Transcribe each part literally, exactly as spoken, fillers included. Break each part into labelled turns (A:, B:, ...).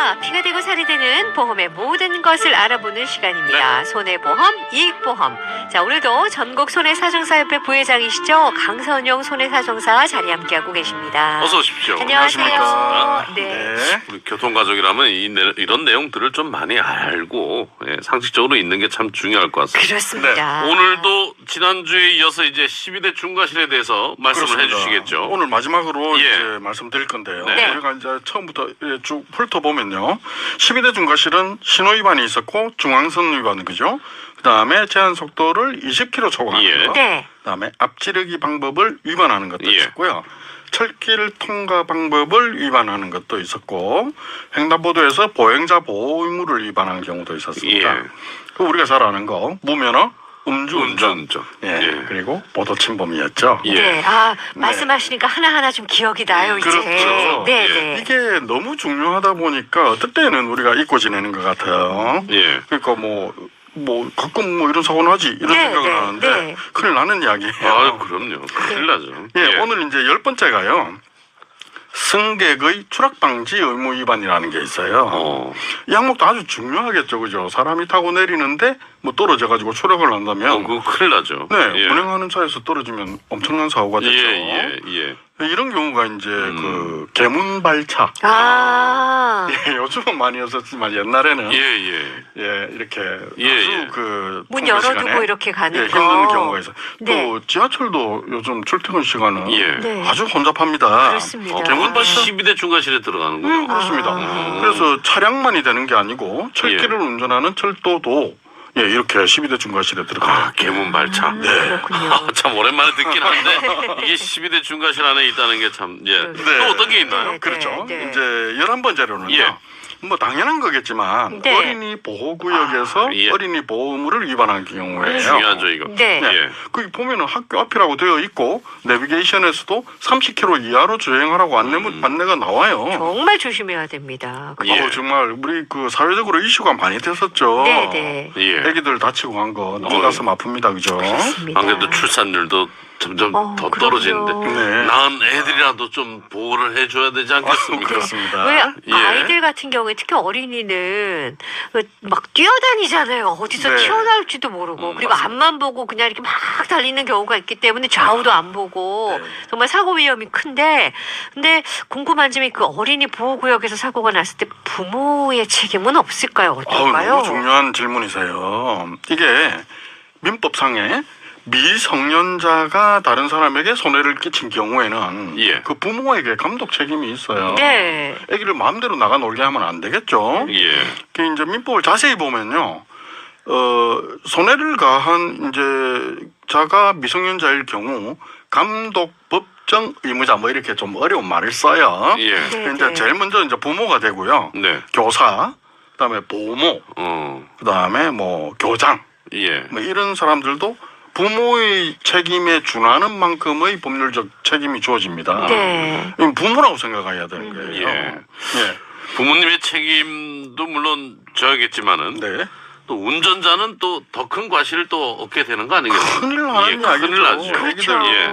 A: 안녕하십니까. 피가 되고 살이 되는 보험의 모든 것을 알아보는 시간입니다. 손해보험, 이익보험. 자, 오늘도 전국 손해사정사협회 부회장이시죠. 강선용 손해사정사 자리 함께하고 계십니다.
B: 어서 오십시오.
A: 안녕하세요.
B: 반갑습니다.
A: 네.
B: 네. 우리 교통가족이라면 이, 내- 이런 내용들을 좀 많이 알고 예, 상식적으로 있는 게 참 중요할 것 같습니다.
A: 그렇습니다.
B: 네. 오늘도 지난주에 이어서 이제 십이 대 중과실에 대해서 말씀을
C: 그렇습니다.
B: 해주시겠죠.
C: 오늘 마지막으로
B: 예.
C: 이제 말씀드릴 건데요.
B: 네.
C: 우리가 이제 처음부터 쭉 훑어보면요. 십이 대 중과실은 신호 위반이 있었고 중앙선 위반 그죠? 그 다음에 제한 속도를 이십 킬로미터 초과하는
B: 예.
C: 거.
A: 네.
C: 그 다음에 앞지르기 방법을 위반하는 것도
B: 예.
C: 있었고요. 철길 통과 방법을 위반하는 것도 있었고 횡단보도에서 보행자 보호 의무를 위반하는 경우도 있었습니다.
B: 예.
C: 그 우리가 잘 아는 거 무면허 음주운전,
B: 음주운전.
C: 예.
B: 예.
C: 그리고 보도 침범이었죠.
B: 예.
A: 네. 아, 말씀하시니까 하나하나 좀 기억이 나요, 이제.
C: 그렇죠.
A: 네,
B: 예.
A: 네.
C: 이게 너무 중요하다 보니까 어떨 때는 우리가 잊고 지내는 것 같아요.
B: 예.
C: 그러니까 뭐, 뭐 가끔 뭐 이런 사고 나지 이런
A: 네,
C: 생각을
A: 네,
C: 하는데
A: 네.
C: 큰일 나는 이야기예요.
B: 아유, 그럼요. 큰일 나죠.
C: 예, 오늘 이제 열 번째가요. 승객의 추락 방지 의무 위반이라는 게 있어요.
B: 어.
C: 이 항목도 아주 중요하겠죠, 그죠? 사람이 타고 내리는데 뭐 떨어져 가지고 추락을 한다면,
B: 어, 그거 큰일 나죠.
C: 네,
B: 예.
C: 운행하는 차에서 떨어지면 엄청난 사고가
B: 예,
C: 되죠.
B: 예, 예.
C: 이런 경우가 이제
B: 음.
C: 그 개문발차.
A: 아.
C: 예, 요즘은 많이 없었지만 옛날에는
B: 예, 예.
C: 예, 이렇게
B: 예,
C: 아주
B: 예.
C: 그
A: 문
C: 통근
A: 열어두고
C: 시간에
A: 이렇게 가는
C: 예,
A: 거.
C: 힘든 경우가 있어요.
A: 네.
C: 또 지하철도 요즘 출퇴근 시간은
B: 예.
A: 네.
C: 아주 혼잡합니다.
A: 그렇습니다.
B: 어, 대문발 십이 대 중과실에 들어가는군요.
A: 음.
C: 그렇습니다.
A: 아.
C: 그래서 차량만이 되는 게 아니고 철길을
B: 예.
C: 운전하는 철도도 예, 이렇게 십이 대 중과실에 들어가요.
B: 아, 개문발차.
A: 음, 그렇군요.
B: 참 오랜만에 듣긴 한데 이게 십이 대 중과실 안에 있다는 게 참 예.
A: 네.
B: 또 어떤 게 있나요?
A: 네.
C: 그렇죠.
A: 네.
C: 이제 열한 번째로는요.
B: 예.
C: 뭐 당연한 거겠지만
A: 네.
C: 어린이 보호구역에서
B: 아, 예.
C: 어린이 보호 의무를 위반한 경우에요.
B: 중요하죠 이거.
A: 네.
C: 네.
B: 예.
C: 거기 보면은 학교 앞이라고 되어 있고 내비게이션에서도 삼십 킬로미터 이하로 주행하라고 안내
B: 음.
C: 안내가 나와요.
A: 정말 조심해야 됩니다. 그죠?
B: 예.
C: 어, 정말 우리 그 사회적으로 이슈가 많이 됐었죠.
A: 네, 네.
B: 예.
C: 애기들 다치고 간 거 너무 가슴 아픕니다, 그죠?
A: 그렇습니다.
B: 안 그래도 출산율도 점점
A: 어,
B: 더
A: 그럼요.
B: 떨어지는데
C: 네.
B: 낳은 애들이라도 좀 보호를 해줘야 되지 않겠습니까?
C: 그렇습니다.
A: 왜
B: 예.
A: 아이들 같은 경우에 특히 어린이는 그막 뛰어다니잖아요. 어디서
C: 네.
A: 튀어나올지도 모르고
B: 음,
A: 그리고
B: 맞습니다.
A: 앞만 보고 그냥 이렇게 막 달리는 경우가 있기 때문에 좌우도 안 보고
C: 네.
A: 정말 사고 위험이 큰데 근데 궁금한 점이 그 어린이 보호구역에서 사고가 났을 때 부모의 책임은 없을까요?
C: 아우,
A: 어떨까요?
C: 너무 중요한 질문이세요. 이게 민법상에 미성년자가 다른 사람에게 손해를 끼친 경우에는
B: 예.
C: 그 부모에게 감독 책임이 있어요.
A: 네.
C: 애기를 마음대로 나가 놀게 하면 안 되겠죠.
B: 예.
C: 그 이제 민법을 자세히 보면요, 어 손해를 가한 이제 자가 미성년자일 경우 감독 법정 의무자 뭐 이렇게 좀 어려운 말을 써요.
B: 예.
A: 네.
C: 이제 제일 먼저 이제 부모가 되고요,
B: 네.
C: 교사, 그다음에 보모,
B: 어.
C: 그다음에 뭐 교장,
B: 예.
C: 뭐 이런 사람들도 부모의 책임에 준하는 만큼의 법률적 책임이 주어집니다.
A: 네.
C: 이건 부모라고 생각해야 되는 거예요.
B: 예.
C: 예.
B: 부모님의 책임도 물론 져야겠지만은
C: 네.
B: 또 운전자는 또 더 큰 과실을 또 얻게 되는 거 아니겠어요?
C: 큰일 나는
B: 예,
C: 이야기죠.
B: 큰일 나죠.
A: 그렇죠.
C: 애기들
B: 예.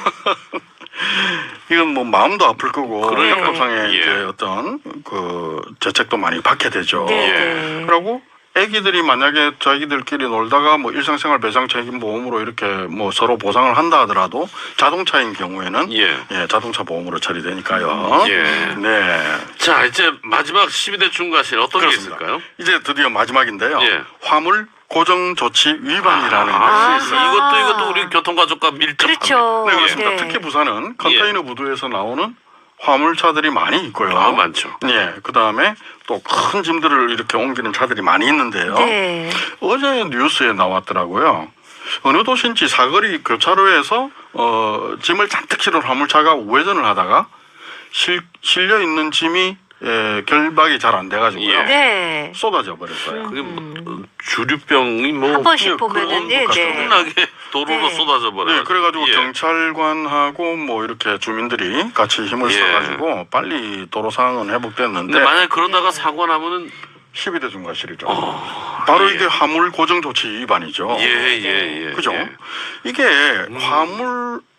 C: 이건 뭐 마음도 아플 거고
B: 그래요.
C: 형법상의
B: 예.
C: 이제 어떤 그 죄책도 많이 받게 되죠.
A: 네.
B: 예.
A: 네.
C: 그리고 애기들이 만약에 자기들끼리 놀다가 뭐 일상생활 배상 책임 보험으로 이렇게 뭐 서로 보상을 한다 하더라도 자동차인 경우에는
B: 예.
C: 예, 자동차 보험으로 처리되니까요.
B: 예.
C: 네.
B: 자, 이제 마지막 십이 대 중과실 어떤
C: 그렇습니다.
B: 게 있을까요?
C: 이제 드디어 마지막인데요.
B: 예.
C: 화물 고정 조치 위반이라는
B: 아,
C: 것이 있어요.
B: 이것도 이것도 우리 교통가족과 밀접합니다.
A: 그렇죠.
C: 네, 그렇습니다.
A: 네.
C: 특히 부산은 컨테이너 부두에서 나오는 화물차들이 많이 있고요.
B: 아, 많죠.
C: 예, 그 다음에 또 큰 짐들을 이렇게 옮기는 차들이 많이 있는데요.
A: 네.
C: 어제 뉴스에 나왔더라고요. 어느 도시인지 사거리 교차로에서 어, 짐을 잔뜩 실은 화물차가 우회전을 하다가 실, 실려 있는 짐이 예, 결박이 잘 안 돼가지고요.
B: 예.
A: 네.
C: 쏟아져 버렸어요.
B: 그게 뭐, 어, 주류병이 뭐
A: 한 번씩
C: 예,
A: 보면은 네,
C: 그런
A: 네.
B: 엄청나게 도로로
A: 네.
B: 쏟아져 버려요.
C: 네, 그래가지고
B: 예.
C: 경찰관하고 뭐 이렇게 주민들이 같이 힘을
B: 예.
C: 써가지고 빨리 도로 상황은 회복됐는데
B: 근데 만약 그러다가 사고 나면은
C: 십이 대 중과실이죠.
B: 어,
C: 바로
B: 예.
C: 이게 화물 고정 조치 위반이죠.
B: 예, 예, 예.
C: 그죠?
B: 예.
C: 이게 화물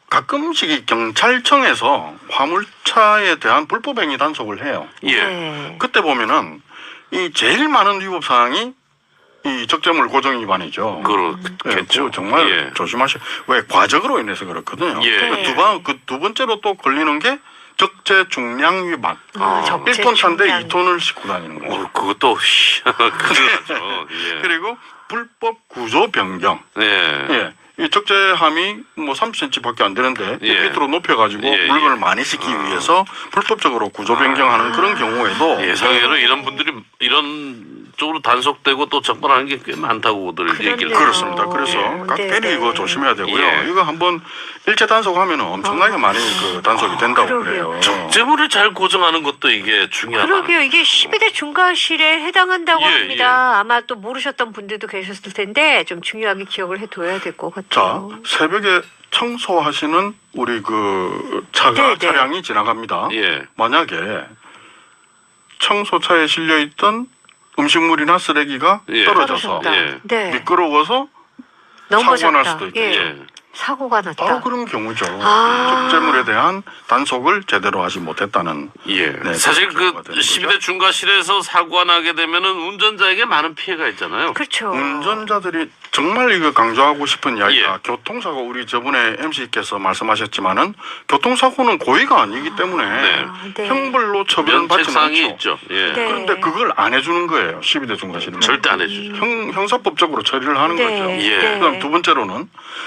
C: 가끔씩 이 경찰청에서 화물차에 대한 불법 행위 단속을 해요.
B: 예.
A: 네.
C: 그때 보면은 이 제일 많은 위법 사항이 이 적재물 고정 위반이죠. 예,
B: 그렇겠죠.
C: 그거 정말
B: 예.
C: 조심하셔. 왜 과적으로 인해서 그렇거든요.
B: 예.
A: 네.
C: 두 번, 그 두 번째로 또 걸리는 게 적재 중량 위반.
A: 아, 적재
C: 일 톤 차인데
A: 중량.
C: 이 톤을 싣고 다니는 거죠.
B: 어, 그것도 큰일 나죠. 예.
C: 그리고 불법 구조 변경.
B: 예.
C: 예. 이 적재함이 뭐 삼 센티미터밖에 안 되는데
B: 예.
C: 밑으로 높여가지고
B: 예,
C: 물건을
B: 예.
C: 많이 싣기 위해서 불법적으로 구조 변경하는 그런 경우에도
B: 예상외로 이런 분들이 이런 쪽으로 단속되고 또 적발하는 게 꽤 많다고들
A: 그렇네요.
B: 얘기를
C: 그렇습니다. 그래서
A: 예.
C: 깍대리
A: 네,
C: 이거
A: 네.
C: 조심해야 되고요.
B: 예.
C: 이거 한번 일제 단속하면 엄청나게 많이 그 단속이 된다고
A: 그러게요.
C: 그래요.
B: 적재물을 잘 고정하는 것도 이게 중요하다.
A: 그러게요. 이게 십이 대 중과실에 해당한다고
B: 예,
A: 합니다. 아마 또 모르셨던 분들도 계셨을 텐데 좀 중요하게 기억을 해둬야 될 것
C: 자,
A: 같아요.
C: 새벽에 청소하시는 우리 그 차가
A: 네, 네.
C: 차량이 지나갑니다.
B: 예.
C: 만약에 청소차에 실려 있던 음식물이나 쓰레기가
B: 예.
C: 떨어져서
A: 떨어졌다.
B: 예.
A: 네.
C: 미끄러워서
A: 넘어졌다.
C: 사고가 날 수도 있겠죠.
A: 예.
B: 예.
A: 사고가 났다.
C: 바로 그런 경우죠.
A: 아.
C: 적재물에 대한 단속을 제대로 하지 못했다는.
B: 예.
C: 네,
B: 사실
C: 그런
B: 그
C: 거가 되는
B: 십이
C: 거죠.
B: 대 중과실에서 사고가 나게 되면은 운전자에게 많은 피해가 있잖아요.
A: 그렇죠.
C: 운전자들이 정말 이거 강조하고 싶은 이야기가
B: 예.
C: 교통사고 우리 저번에 엠씨께서 말씀하셨지만은 교통사고는 고의가 아니기 때문에
B: 네.
A: 네.
C: 형벌로 처벌은 받지
B: 면책상이
C: 않죠.
B: 있죠. 예.
A: 네.
C: 그런데 그걸 안 해주는 거예요. 십이 대 중과실은.
B: 절대 안 해주죠.
C: 형, 형사법적으로 처리를 하는
A: 네.
C: 거죠.
B: 예.
A: 네.
C: 그다음 두 번째로는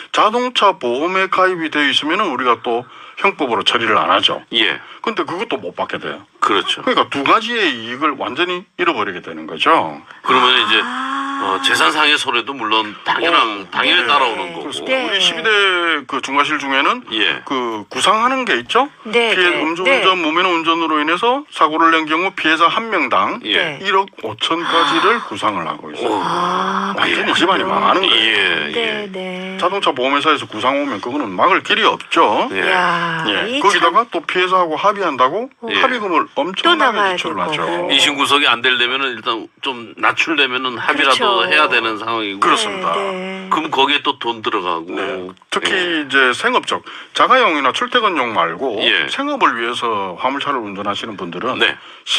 C: 자동차 보험에 가입이 되어 있으면은 우리가 또 형법으로 처리를 안 하죠.
B: 예.
C: 근데 그것도 못 받게 돼요.
B: 그렇죠.
C: 그러니까 두 가지의 이익을 완전히 잃어버리게 되는 거죠.
B: 그러면 이제
A: 아.
B: 어, 재산상의 손해도 물론 당연한
C: 어,
B: 당연히
C: 네.
B: 따라오는 거고.
C: 그렇습니다.
A: 네.
C: 우리 십이 대 그 중과실 중에는
B: 예.
C: 그 구상하는 게 있죠.
A: 네,
C: 피해
A: 네,
C: 음주운전,
A: 네.
C: 무면 운전으로 인해서 사고를 낸 경우 피해자 한 명당
B: 예.
A: 네.
C: 일억 오천까지를 구상을 하고 있어요.
B: 오.
A: 아,
C: 완전히 집안이 망하는 거예요.
B: 예.
A: 네,
B: 예.
A: 네.
C: 자동차 보험회사에서 구상 오면 그거는 막을 길이 없죠.
B: 예.
A: 야,
C: 예.
A: 이
C: 거기다가 또 피해자하고 합의한다고
B: 예.
C: 합의금을
A: 또
C: 엄청나게
A: 나가야
C: 지출을
A: 될
C: 하죠.
A: 거고.
B: 이심 구속이 안 되려면은 일단 좀 낮출려면은 합의라도
A: 그렇죠.
B: 해야 되는 상황이고.
C: 그렇습니다.
A: 네, 네.
B: 그럼 거기에 또 돈 들어가고.
C: 네. 특히
B: 예.
C: 이제 생업적 자가용이나 출퇴근용 말고
B: 예.
C: 생업을 위해서 화물차를 운전하시는 분들은
B: 네.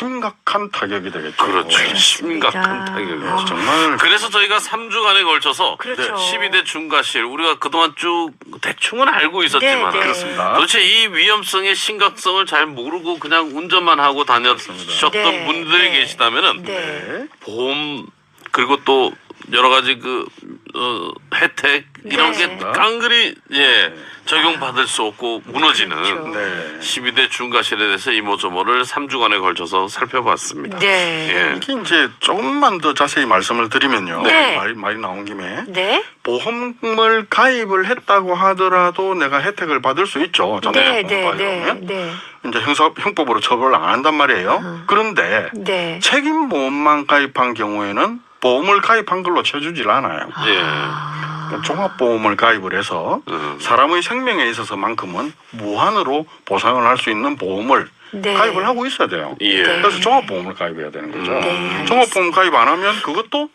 C: 심각한 타격이 되겠죠.
B: 그렇죠.
C: 네.
B: 심각한
A: 아.
B: 타격이죠.
C: 정말
B: 그래서 저희가 삼 주간에 걸쳐서
A: 그렇죠.
B: 십이 대 중과실 우리가 그동안 쭉 대충은 알고 있었지만
A: 네, 네.
C: 그렇습니다.
B: 도대체 이 위험성의 심각성을 잘 모르고 그냥 운전만 하고 다녔었던
A: 네,
B: 분들이
A: 네.
B: 계시다면은
A: 네.
C: 네.
B: 보험 그리고 또 여러 가지 그 어, 혜택 이런
A: 네.
B: 게 깡그리 예 적용받을 수 없고 무너지는
A: 그렇죠.
C: 네.
B: 십이 대 중과실에 대해서 이모저모를 삼 주간에 걸쳐서 살펴봤습니다.
A: 네.
B: 예.
C: 이게 이제 조금만 더 자세히 말씀을 드리면요.
A: 네.
C: 말이, 말이 나온 김에
A: 네.
C: 보험을 가입을 했다고 하더라도 내가 혜택을 받을 수 있죠. 자동차
A: 네,
C: 보험
A: 네,
C: 가입하면.
A: 네, 네.
C: 이제 형사 형법으로 처벌을 안 한단 말이에요. 그런데
A: 네.
C: 책임보험만 가입한 경우에는 보험을 가입한 걸로 쳐주질 않아요.
B: 예.
C: 그러니까 종합보험을 가입을 해서
B: 음.
C: 사람의 생명에 있어서만큼은 무한으로 보상을 할 수 있는 보험을
A: 네.
C: 가입을 하고 있어야 돼요.
B: 예.
A: 네.
C: 그래서 종합보험을 가입해야 되는 거죠.
A: 네,
C: 종합보험 가입 안 하면 그것도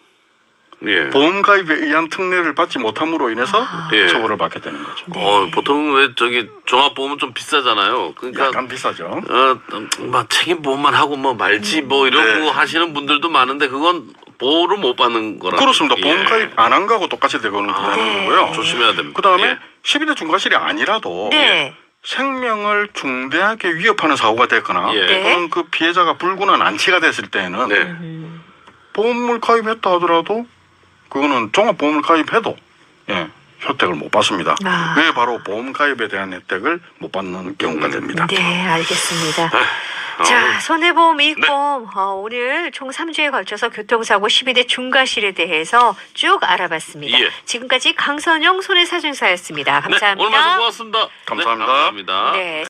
B: 예.
C: 보험 가입에 의한 특례를 받지 못함으로 인해서
B: 예.
C: 처벌을 받게 되는 거죠.
A: 네.
B: 어, 보통 왜 저기 종합보험은 좀 비싸잖아요. 그러니까
C: 약간 비싸죠.
B: 어, 막 책임보험만 하고 뭐 말지 뭐 이러고
C: 네.
B: 하시는 분들도 많은데 그건 보호를 못 받는 거라.
C: 그렇습니다.
B: 예.
C: 보험 가입 안 한 거하고 똑같이 되거는
B: 아,
C: 되는
A: 네.
C: 거고요.
B: 조심해야 됩니다.
C: 그 다음에
B: 예.
C: 십이 대 중과실이 아니라도
A: 네.
C: 생명을 중대하게 위협하는 사고가 됐거나
B: 예.
A: 네.
C: 또는 그 피해자가 불구나 난치가 됐을 때는
B: 네.
A: 음.
C: 보험을 가입했다 하더라도 그거는 종합보험을 가입해도 예, 혜택을 못 받습니다.
A: 아.
C: 왜 바로 보험 가입에 대한 혜택을 못 받는 경우가 됩니다.
A: 네, 알겠습니다.
B: 어,
A: 자, 손해보험, 이익보험 어, 오늘 총 삼 주에 걸쳐서 교통사고 십이 대 중과실에 대해서 쭉 알아봤습니다.
B: 예.
A: 지금까지 강선영 손해사정사였습니다.
B: 네,
A: 감사합니다.
B: 오늘 말씀 고맙습니다.
C: 감사합니다.
B: 네, 감사합니다.
A: 네.